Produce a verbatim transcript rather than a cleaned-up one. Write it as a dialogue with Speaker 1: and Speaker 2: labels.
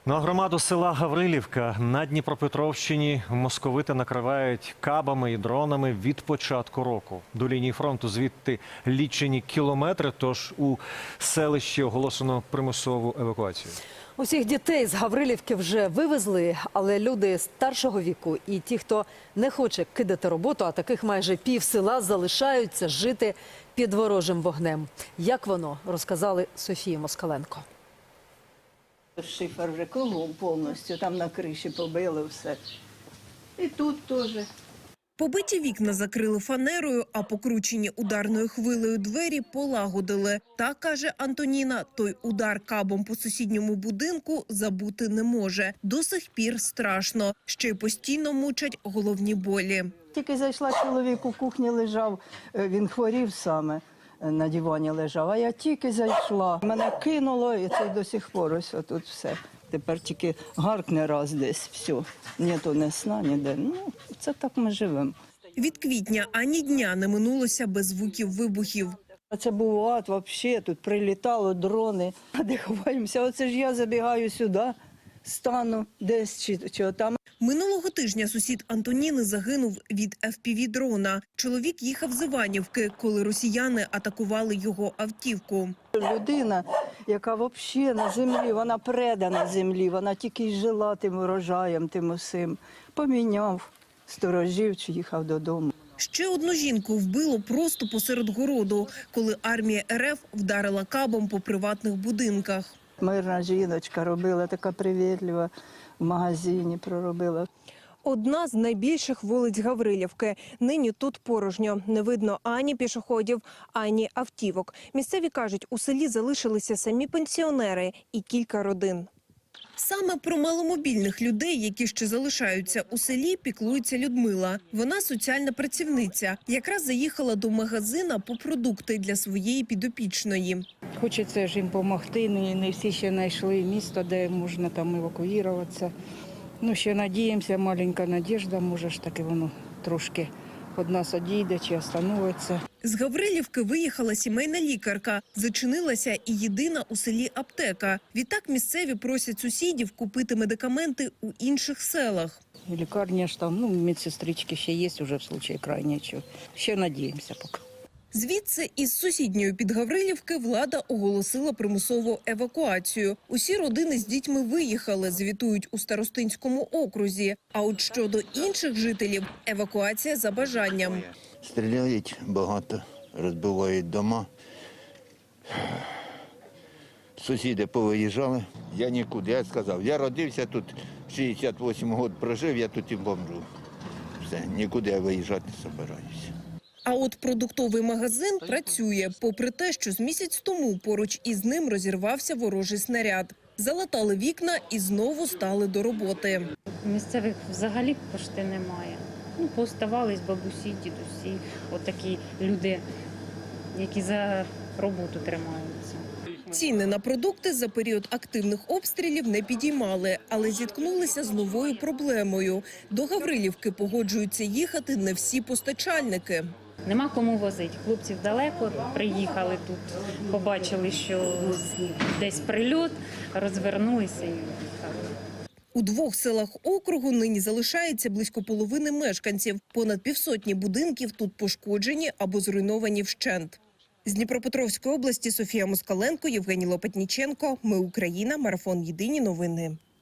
Speaker 1: На громаду села Гаврилівка на Дніпропетровщині московити накривають кабами і дронами від початку року. До лінії фронту звідти лічені кілометри, тож у селищі оголошено примусову евакуацію.
Speaker 2: Усіх дітей з Гаврилівки вже вивезли, але люди старшого віку і ті, хто не хоче кидати роботу, а таких майже пів села, залишаються жити під ворожим вогнем. Як воно, розказали Софії Москаленко.
Speaker 3: Шифер вже кругом повністю, там на криші побили все. І тут теж.
Speaker 4: Побиті вікна закрили фанерою, а покручені ударною хвилею двері полагодили. Так, каже Антоніна, той удар кабом по сусідньому будинку забути не може. До сих пір страшно. Ще й постійно мучать головні болі.
Speaker 3: Тільки зайшла, чоловік у кухні лежав, він хворів саме, на дивані лежав. А я тільки зайшла, мене кинуло і це до сих пор ось тут все. Тепер тільки гаркне раз десь, все. Ні, то не сна, ніде. Ну, це так ми живемо.
Speaker 4: Від квітня ані дня не минулося без звуків вибухів.
Speaker 3: Це був ад взагалі, тут прилітало дрони. А де ховаємося? Оце ж я забігаю сюди, стану десь чи, чи там.
Speaker 4: Минулого тижня сусід Антоніни загинув від еф пі ві-дрона. Чоловік їхав з Іванівки, коли росіяни атакували його автівку.
Speaker 3: Людина, яка взагалі на землі, вона предана землі, вона тільки й жила тим урожаєм, тим усім. Поміняв сторожів, чи їхав додому.
Speaker 4: Ще одну жінку вбило просто посеред городу, коли армія ер еф вдарила кабом по приватних будинках.
Speaker 3: Мирна жіночка робила, така привітлива, в магазині проробила.
Speaker 5: Одна з найбільших вулиць Гаврилівки. Нині тут порожньо. Не видно ані пішоходів, ані автівок. Місцеві кажуть, у селі залишилися самі пенсіонери і кілька родин.
Speaker 4: Саме про маломобільних людей, які ще залишаються у селі, піклується Людмила. Вона соціальна працівниця. Якраз заїхала до магазина по продукти для своєї підопічної.
Speaker 6: Хочеться ж їм допомогти, не, не всі ще знайшли місто, де можна там евакуюватися. Ну, ще надіємося, маленька надіжда, може ж таки воно трошки від нас одійде чи остановиться.
Speaker 4: З Гаврилівки виїхала сімейна лікарка. Зачинилася і єдина у селі аптека. Відтак місцеві просять сусідів купити медикаменти у інших селах.
Speaker 6: Лікарня ж там, ну, медсестрички ще є вже в случаї крайнього. Ще надіємося поки.
Speaker 4: Звідси із сусідньої Підгаврилівки влада оголосила примусову евакуацію. Усі родини з дітьми виїхали, звітують у Старостинському окрузі. А от щодо інших жителів – евакуація за бажанням.
Speaker 7: Стріляють багато, розбивають дома. Сусіди повиїжджали. Я нікуди, я сказав, я родився тут, шістдесят вісім років прожив, я тут і помру. Все, нікуди я виїжджати не збираюся.
Speaker 4: А от продуктовий магазин працює, попри те, що з місяць тому поруч із ним розірвався ворожий снаряд. Залатали вікна і знову стали до роботи.
Speaker 8: Місцевих взагалі пошти немає. Ну, пооставались бабусі, дідусі, отакі люди, які за роботу тримаються.
Speaker 4: Ціни на продукти за період активних обстрілів не підіймали, але зіткнулися з новою проблемою. До Гаврилівки погоджуються їхати не всі постачальники.
Speaker 8: Нема кому возити. Хлопців далеко, приїхали тут, побачили, що десь прильот, розвернулися і їхали.
Speaker 4: У двох селах округу нині залишається близько половини мешканців. Понад півсотні будинків тут пошкоджені або зруйновані вщент. З Дніпропетровської області Софія Москаленко, Євгеній Лопатніченко. Ми Україна. Марафон. Єдині новини.